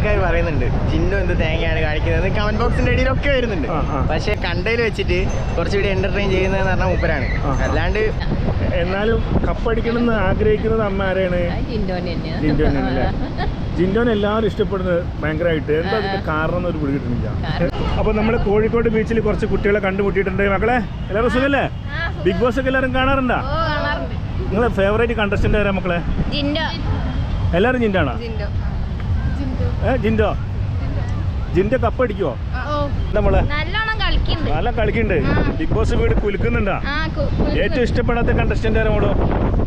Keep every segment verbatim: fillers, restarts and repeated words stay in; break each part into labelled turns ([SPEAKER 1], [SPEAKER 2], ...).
[SPEAKER 1] ആൾക്കാർ പറയുന്നുണ്ട് ജിൻഡോ എന്ത് തേങ്ങയാണ് കാണിക്കുന്നത് കമന്റ് ബോക്സിന്റെ ഇടയിലൊക്കെ വരുന്നുണ്ട്. പക്ഷെ കണ്ടതിൽ വെച്ചിട്ട് കുറച്ചുകൂടി എന്റർടൈൻ ചെയ്യുന്നതെന്ന് പറഞ്ഞാൽ മൂപ്പരാണ്. അല്ലാണ്ട്
[SPEAKER 2] എന്നാലും കപ്പടിക്കണമെന്ന് ആഗ്രഹിക്കുന്നത് അമ്മ ആരെയാണ്? ജിൻഡോനല്ലേ? ജിൻഡോനെ എല്ലാവരും ഇഷ്ടപ്പെടുന്നത് ഭയങ്കരമായിട്ട്. എന്താ അതിന്റെ കാരണം ഒരു പിടി കിട്ടുന്നില്ല. അപ്പൊ നമ്മള് കോഴിക്കോട് ബീച്ചിൽ കുറച്ച് കുട്ടികളെ കണ്ടുമുട്ടിയിട്ടുണ്ട്. മക്കളെ എല്ലാവരും സുഖല്ലേ? ബിഗ് ബോസ് ഒക്കെ എല്ലാവരും കാണാറുണ്ടോ? നിങ്ങളെ ഫേവറേറ്റ് കണ്ടസ്റ്റന്റ് ആരാ മക്കളെ? എല്ലാവരും ജിൻഡാണോ? ഏ ജിൻഡോ ജിൻഡോ കപ്പടിക്കുവോ? നമ്മളെ നല്ല കളിക്കുന്നുണ്ട്. ബിഗ് ബോസ് വീട് കുലുക്കുന്നുണ്ടാ? ഏറ്റവും ഇഷ്ടപ്പെടാത്ത കണ്ടസ്റ്റന്റ് ആരാ മോളോ?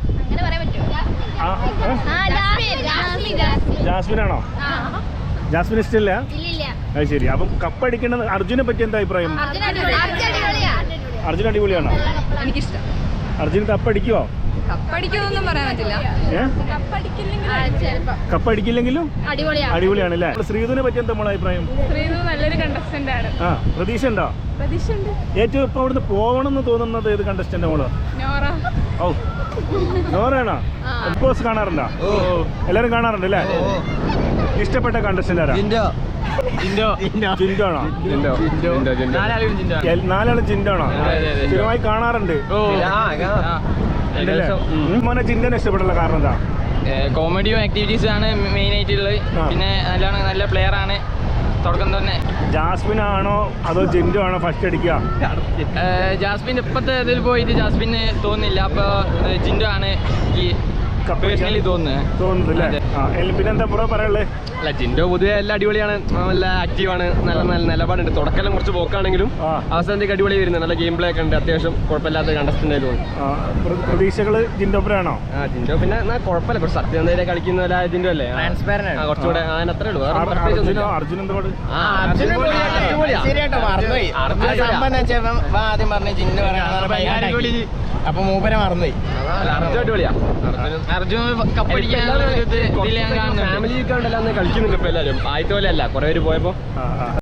[SPEAKER 2] ജാസ്മിൻ ആണോ? ജാസ്മിൻ ഇഷ്ടമില്ല? അത് ശരി. അപ്പം കപ്പടിക്കേണ്ടത് അർജുനെ പറ്റി എന്താ അഭിപ്രായം? അർജുൻ അടിപൊളിയാണോ? എനിക്കിഷ്ടം. അർജുൻ കപ്പടിക്കുവോ?
[SPEAKER 3] കപ്പടിക്കുന്നൊന്നും പറയാൻ പറ്റില്ല.
[SPEAKER 2] കപ്പടിക്കില്ലെങ്കിലും അടിപൊളിയാണല്ലേ? ശ്രീധുവിനെ പറ്റി എന്താ മോളെ അഭിപ്രായം?
[SPEAKER 3] ശ്രീധു നല്ലൊരു കണ്ടസ്റ്റന്റ് ആണ്.
[SPEAKER 2] ആ പ്രതീക്ഷ ഉണ്ടോ? ഏറ്റവും ഇപ്പൊ അവിടുന്ന് പോകണം എന്ന് തോന്നുന്നത് ഏത് കണ്ടസ്റ്റന്റ് മോള്? ഓ നോറാണോ? ബിഗ് ബോസ് കാണാറുണ്ടോ? എല്ലാരും കാണാറുണ്ട് അല്ലേ? ഇഷ്ടപ്പെട്ട കണ്ടസ്റ്റന്റ് ആരാ? ജിൻഡോ ആണോ? നാലാളും ജിൻഡോ ആണോ? സ്ഥിരമായി കാണാറുണ്ട്. മോനെ ജിൻഡോനെ ഇഷ്ടപ്പെട്ടുള്ള കാരണം എന്താ?
[SPEAKER 4] കോമഡിയും ആക്ടിവിറ്റീസും ആണ് മെയിൻ ആയിട്ടുള്ളത്. പിന്നെ നല്ലോണം നല്ല പ്ലെയർ ആണ് തുടക്കം തന്നെ.
[SPEAKER 2] ജാസ്മിൻ ആണോ അതോ ജിൻഡോ ആണോ ഫസ്റ്റ് അടിക്കുക?
[SPEAKER 4] ജാസ്മിൻ ഇപ്പോഴത്തെ ഇതിൽ പോയിട്ട് ജാസ്മിന് തോന്നുന്നില്ല. അപ്പോൾ ജിൻഡോ ആണ് ഈ പേഴ്സണലി തോന്നുന്നത്.
[SPEAKER 2] പിന്നെന്താ ബ്രോ പറയാനുള്ളത്?
[SPEAKER 5] അല്ല ജിൻഡോ പൊതുവെ എല്ലാം അടിപൊളിയാണ്, നല്ല ആക്റ്റീവാണ്, നല്ല നല്ല നിലപാടുണ്ട്. തുടക്കം കുറച്ച് പോക്കാണെങ്കിലും അവസാനത്തേക്ക് അടിപൊളി വരുന്നത്, നല്ല ഗെയിം പ്ലേ ഒക്കെ ഉണ്ട്, അത്യാവശ്യം കുഴപ്പമില്ലാത്ത കണ്ടസ്റ്റന്റ് ആയി തോന്നുന്നു.
[SPEAKER 2] പ്രതീക്ഷകള് ജിൻഡോപ്പരാണോ?
[SPEAKER 5] ആ ജിൻഡോ പിന്നെ കുഴപ്പമില്ല, കുറച്ച് സത്യസന്ധത കളിക്കുന്ന പോലെ ജിൻഡോ അല്ലേ, കുറച്ചുകൂടെ അതിന് അത്രേ ഉള്ളൂ.
[SPEAKER 2] അർജുൻ എന്താ
[SPEAKER 1] ആദ്യം പറഞ്ഞ ജിൻഡോ അപ്പൊ മൂപ്പരെ മറന്നുപോയി.
[SPEAKER 5] അർജുൻ അടിപൊളിയാ.
[SPEAKER 4] അർജുൻ കപ്പടിക്കാനുള്ള
[SPEAKER 5] ഫാമിലി കളിക്കുന്നുണ്ട് ഇപ്പൊ എല്ലാവരും. ആദ്യത്തെ പോലെ അല്ല, കുറെ പേര് പോയപ്പോ